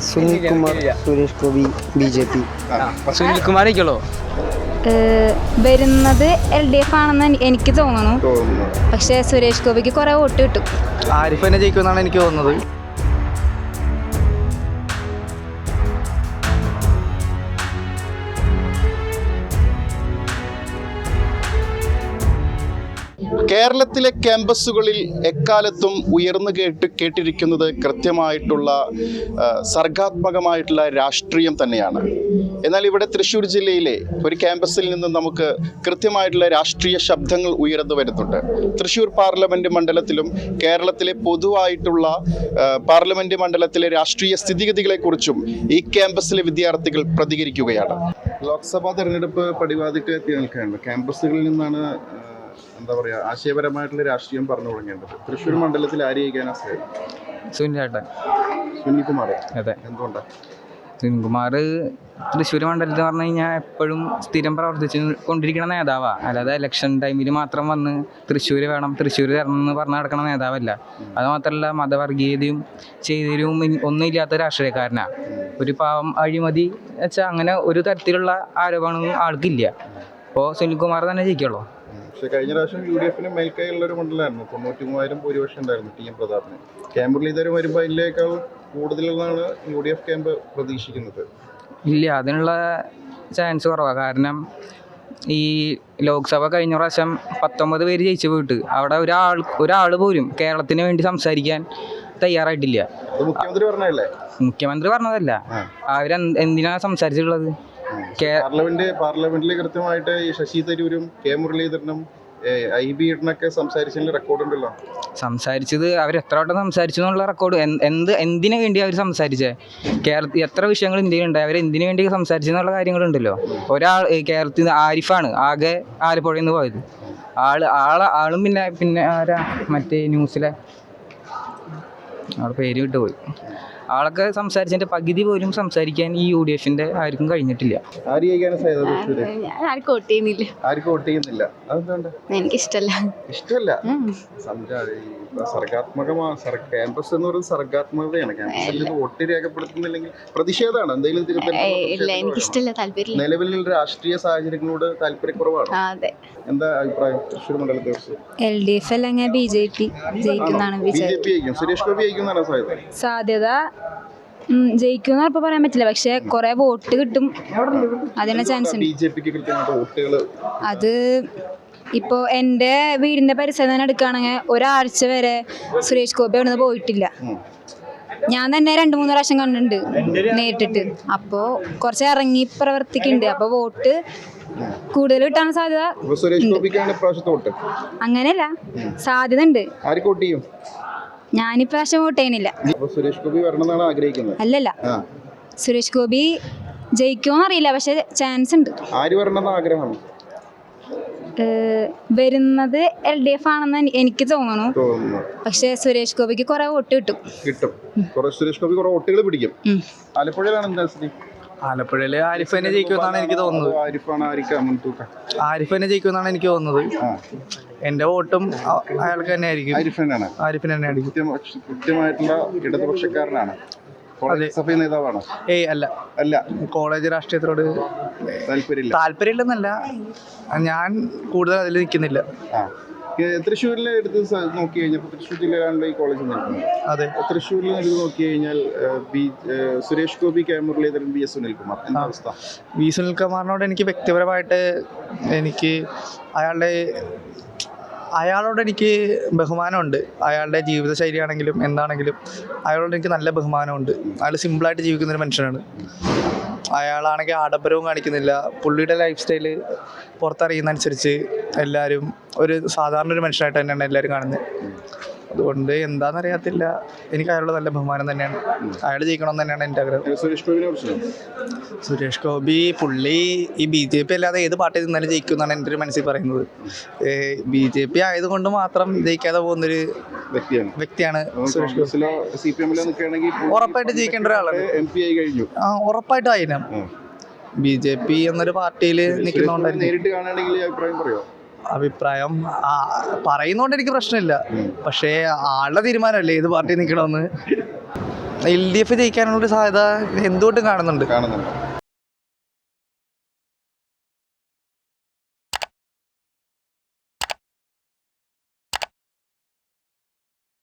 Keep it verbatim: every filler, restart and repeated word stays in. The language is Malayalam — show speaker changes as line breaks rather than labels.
Sunilkumar, Suresh Gopi, B J P.
സുനിൽകുമാറേക്കുള്ളൂ
വരുന്നത് എൽ ഡി എഫ് ആണെന്ന് എനിക്ക് തോന്നുന്നു. പക്ഷേ സുരേഷ് ഗോപിക്ക് കുറേ വോട്ട് കിട്ടും.
ആരിഫ് തന്നെ ജയിക്കുമെന്നാണ് എനിക്ക് തോന്നുന്നത്.
കേരളത്തിലെ ക്യാമ്പസുകളിൽ എക്കാലത്തും ഉയർന്നു കേട്ട് കേട്ടിരിക്കുന്നത് കൃത്യമായിട്ടുള്ള സർഗാത്മകമായിട്ടുള്ള രാഷ്ട്രീയം തന്നെയാണ്. എന്നാൽ ഇവിടെ തൃശ്ശൂർ ജില്ലയിലെ ഒരു ക്യാമ്പസിൽ നിന്ന് നമുക്ക് കൃത്യമായിട്ടുള്ള രാഷ്ട്രീയ ശബ്ദങ്ങൾ ഉയർന്നു വരുന്നുണ്ട്. തൃശ്ശൂർ പാർലമെൻറ്റ് മണ്ഡലത്തിലും കേരളത്തിലെ പൊതുവായിട്ടുള്ള പാർലമെൻറ്റ് മണ്ഡലത്തിലെ രാഷ്ട്രീയ സ്ഥിതിഗതികളെക്കുറിച്ചും ഈ ക്യാമ്പസിലെ വിദ്യാർത്ഥികൾ പ്രതികരിക്കുകയാണ്. ലോക്സഭാ തെരഞ്ഞെടുപ്പ് പടിവാതിക്ക് എത്തി നിൽക്കുകയാണ്. ക്യാമ്പസുകളിൽ നിന്നാണ് എന്താ പറയുക ആശയപരമായിട്ടുള്ള രാഷ്ട്രീയം പറഞ്ഞു തുടങ്ങേണ്ടത്. തൃശ്ശൂർ മണ്ഡലത്തിൽ ആര് ജയിക്കാനാ സാധ്യത?
സുനിലേട്ടൻ.
സുനിൽകുമാർ.
അതെ.
എന്തുകൊണ്ടാണ്?
സുനിൽകുമാർ തൃശ്ശൂർ മണ്ഡലത്തിൽ പറഞ്ഞു കഴിഞ്ഞാൽ എപ്പോഴും സ്ഥിരം പ്രവർത്തിച്ച് കൊണ്ടിരിക്കുന്ന നേതാവാണ്. അല്ലാതെ ഇലക്ഷൻ ടൈമിൽ മാത്രം വന്ന് തൃശ്ശൂർ വേണം തൃശ്ശൂർ തരണം എന്ന് പറഞ്ഞ് നടക്കുന്ന നേതാവല്ല. അതുമാത്രമല്ല മതവർഗീയതയും ചെയ്തരും ഒന്നും ഇല്ലാത്ത രാഷ്ട്രീയക്കാരനാണ്. ഒരു പാവം അഴിമതി വെച്ചാൽ അങ്ങനെ ഒരു തരത്തിലുള്ള ആരോപണവും ആൾക്കില്ല. അപ്പോൾ സുനിൽകുമാർ തന്നെ ജയിക്കുള്ളൂ.
പക്ഷേ കഴിഞ്ഞ പ്രാവശ്യം യു ഡി എഫിന് മേൽക്കൈയുള്ള ഒരു മണ്ഡലമായിരുന്നു. തൊണ്ണൂറ്റി മൂവായിരം ഭൂരിപക്ഷം ഉണ്ടായിരുന്നു ടി എം പ്രതാപിന്. ക്യാമ്പ് മുരളീധരൻ വരുമ്പോൾ അതിലേക്കാൾ കൂടുതലെന്നാണ് യു ഡി എഫ് ക്യാമ്പ് പ്രതീക്ഷിക്കുന്നത്.
ഇല്ല, അതിനുള്ള ചാൻസ് കുറവാണ്. കാരണം ഈ ലോക്സഭ കഴിഞ്ഞ പ്രാവശ്യം പത്തൊമ്പത് പേര് ജയിച്ചു പോയിട്ട് അവിടെ ഒരാൾ ഒരാൾ പോലും കേരളത്തിന് വേണ്ടി സംസാരിക്കാൻ തയ്യാറായിട്ടില്ല.
മുഖ്യമന്ത്രി പറഞ്ഞതല്ലേ?
മുഖ്യമന്ത്രി പറഞ്ഞതല്ല, അവർ എന്തിനാണ് സംസാരിച്ചിട്ടുള്ളത്?
പാർലമെന്റ് പാർലമെന്റിൽ കൃത്യമായിട്ട് ഈ ശശി തരൂരും കെ മുരളീധരനും ഐ ബി ഇടനൊക്കെ സംസാരിച്ചതിൽ റെക്കോർഡ് ഉണ്ടല്ലോ.
സംസാരിച്ചത് അവർ എത്ര വട്ടം സംസാരിച്ചു എന്നുള്ള റെക്കോർഡ് എന്ത് എന്തിനു വേണ്ടി അവർ സംസാരിച്ചേ? കേരളത്തിൽ എത്ര വിഷയങ്ങൾ ഇന്ത്യയിലുണ്ട്, അവർ എന്തിനു വേണ്ടി സംസാരിച്ചെന്നുള്ള കാര്യങ്ങളുണ്ടല്ലോ. ഒരാൾ കേരളത്തിൽ നിന്ന് ആരിഫാണ് ആകെ ആലപ്പുഴയിൽ നിന്ന് പോയത്. ആള് ആളെ ആളും പിന്നെ പിന്നെ ആരാ മറ്റേ ന്യൂസിലെ ആളുടെ പേര് വിട്ടുപോയി. ആളൊക്കെ സംസാരിച്ചതിന്റെ പകുതി പോലും സംസാരിക്കാൻ ഈ യു ഡി എഫിന്റെ ആർക്കും കഴിഞ്ഞിട്ടില്ല.
എനിക്കിഷ്ടല്ല.
ഇഷ്ടമല്ല. സർഗാത്മകമാണ്. ക്യാമ്പസ് എന്ന് പറയുന്നത് സർഗാത്മകതയാണ്. ക്യാമ്പസിൽ വോട്ട് രേഖപ്പെടുത്തുന്നില്ലെങ്കിൽ പ്രതിഷേധമാണ്. എന്തെങ്കിലും നിലവിലുള്ള രാഷ്ട്രീയ സാഹചര്യങ്ങളോട് താല്പര്യക്കുറവാണ്. എന്താ അഭിപ്രായം തൃശ്ശൂർ മണ്ഡലത്തെ കുറിച്ച്?
എൽ ഡി എഫ് അല്ലെങ്കിൽ ബി ജെ പി ജയിക്കുന്നതാണ്.
ബി ജെ പി ജയിക്കും. സുരേഷ് ഗോപി ജയിക്കുന്നതാണ് സാധ്യത.
സാധ്യത ജയിക്കുമെന്ന് ഇപ്പൊ പറയാൻ പറ്റില്ല. പക്ഷെ കുറെ വോട്ട് കിട്ടും, അതിന് ചാൻസ് ഉണ്ട്.
ബി ജെ പിക്ക് കൃത്യമായിട്ട് വോട്ടുകൾ
അത് ഇപ്പോൾ എൻ്റെ വീടിൻ്റെ പരിസരം തന്നെ എടുക്കുകയാണെങ്കിൽ ഒരാഴ്ച വരെ സുരേഷ് ഗോപി അവിടെ നിന്ന് പോയിട്ടില്ല. ഞാൻ തന്നെ രണ്ട് മൂന്ന് പ്രാവശ്യം കണ്ടിട്ടുണ്ട് നേരിട്ടിട്ട്. അപ്പോൾ കുറച്ച് ഇറങ്ങി പ്രവർത്തിക്കുന്നുണ്ട്. അപ്പോൾ വോട്ട് കൂടുതൽ കിട്ടാൻ സാധ്യത അങ്ങനെയല്ല, സാധ്യത ഉണ്ട്. ഞാനിപ്രാവശ്യം വോട്ട് ചെയ്യുന്നില്ല. അല്ലല്ല, സുരേഷ് ഗോപി ജയിക്കുമോന്ന് അറിയില്ല, പക്ഷെ ചാൻസ് ഉണ്ട്. വരുന്നത് എൽ ഡി എഫ് ആണെന്ന് എനിക്ക് തോന്നുന്നു. പക്ഷെ സുരേഷ് ഗോപിക്ക് കുറെ വോട്ട് കിട്ടും
കിട്ടും സുരേഷ് ഗോപി കുറെ വോട്ടുകൾ പിടിക്കും. ആലപ്പുഴയിലാണ് എന്താ സ്ഥിതി?
ആലപ്പുഴയില് ആരിഫ് തന്നെ ജയിക്കുമെന്നാണ് എനിക്ക് തോന്നുന്നത്. ആരിഫ് തന്നെ ജയിക്കുമെന്നാണ് എനിക്ക് തോന്നുന്നത്. എന്റെ വോട്ടും അയാൾക്ക് തന്നെ ആയിരിക്കും. ആരിഫിന് തന്നെ ആയിരിക്കും.
കൃത്യമായിട്ടുള്ള ഇടതുപക്ഷക്കാരനാണ്. നേതാവാണ്?
ഏയ് അല്ല
അല്ല
കോളേജ് രാഷ്ട്രീയത്തിനോട് താല്പര്യമില്ല. താല്പര്യമില്ലെന്നല്ല, ഞാൻ കൂടുതൽ അതിൽ നിൽക്കുന്നില്ല.
തൃശ്ശൂരിലെ എടുത്ത് നോക്കി കഴിഞ്ഞാൽ തൃശ്ശൂർ ജില്ലയിലാണല്ലോ ഈ കോളേജ് നിൽക്കുന്നത്. അതെ. തൃശ്ശൂരിൽ എടുത്ത് നോക്കി കഴിഞ്ഞാൽ B Suresh Gopi, K Muraleedharan, V S Sunilkumar, എന്താ അവസ്ഥ?
വി സുനിൽകുമാറിനോട് എനിക്ക് വ്യക്തിപരമായിട്ട് എനിക്ക് അയാളുടെ അയാളോട് എനിക്ക് ബഹുമാനമുണ്ട്. അയാളുടെ ജീവിതശൈലി ആണെങ്കിലും എന്താണെങ്കിലും അയാളോട് എനിക്ക് നല്ല ബഹുമാനമുണ്ട്. അയാൾ സിമ്പിളായിട്ട് ജീവിക്കുന്നൊരു മനുഷ്യനാണ്. അയാളാണെങ്കിൽ ആഡംബരവും കാണിക്കുന്നില്ല. പുള്ളിയുടെ ലൈഫ് സ്റ്റൈല് പുറത്തറിയുന്നതനുസരിച്ച് എല്ലാവരും ഒരു സാധാരണ ഒരു മനുഷ്യനായിട്ട് തന്നെയാണ് എല്ലാവരും കാണുന്നത്. അതുകൊണ്ട് എന്താണെന്നറിയത്തില്ല, എനിക്ക് അയാളുടെ നല്ല ബഹുമാനം തന്നെയാണ്. അയാൾ ജയിക്കണമെന്ന് തന്നെയാണ് എൻ്റെ ആഗ്രഹം.
സുരേഷ് ഗോപിനെ കുറിച്ച്?
സുരേഷ് ഗോപി പുള്ളി ഈ ബി ജെ പി അല്ലാതെ ഏത് പാർട്ടി നിന്നാലും ജയിക്കും എന്നാണ് എൻ്റെ ഒരു മനസ്സിൽ പറയുന്നത്. ബി ജെ പി ആയതുകൊണ്ട് മാത്രം ജയിക്കാതെ പോകുന്നൊരു വ്യക്തിയാണ് വ്യക്തിയാണ് സുരേഷ് ഗോപി. ഉറപ്പായിട്ട് ജയിക്കേണ്ട ഒരാളാണ്. ആ ഉറപ്പായിട്ടും ആയിരം. ബി ജെ പി എന്നൊരു പാർട്ടിയിൽ നിൽക്കുന്നതുകൊണ്ടായിരുന്നു. അഭിപ്രായം പറയുന്നോണ്ട് എനിക്ക് പ്രശ്നമില്ല. പക്ഷേ ആളുടെ തീരുമാനമല്ലേ ഏത് പാർട്ടി നിൽക്കണമെന്ന്. എൽ ഡി എഫ് ജയിക്കാനുള്ള ഒരു സാധ്യത എന്തുകൊണ്ടും കാണുന്നുണ്ട്
കാണുന്നുണ്ട്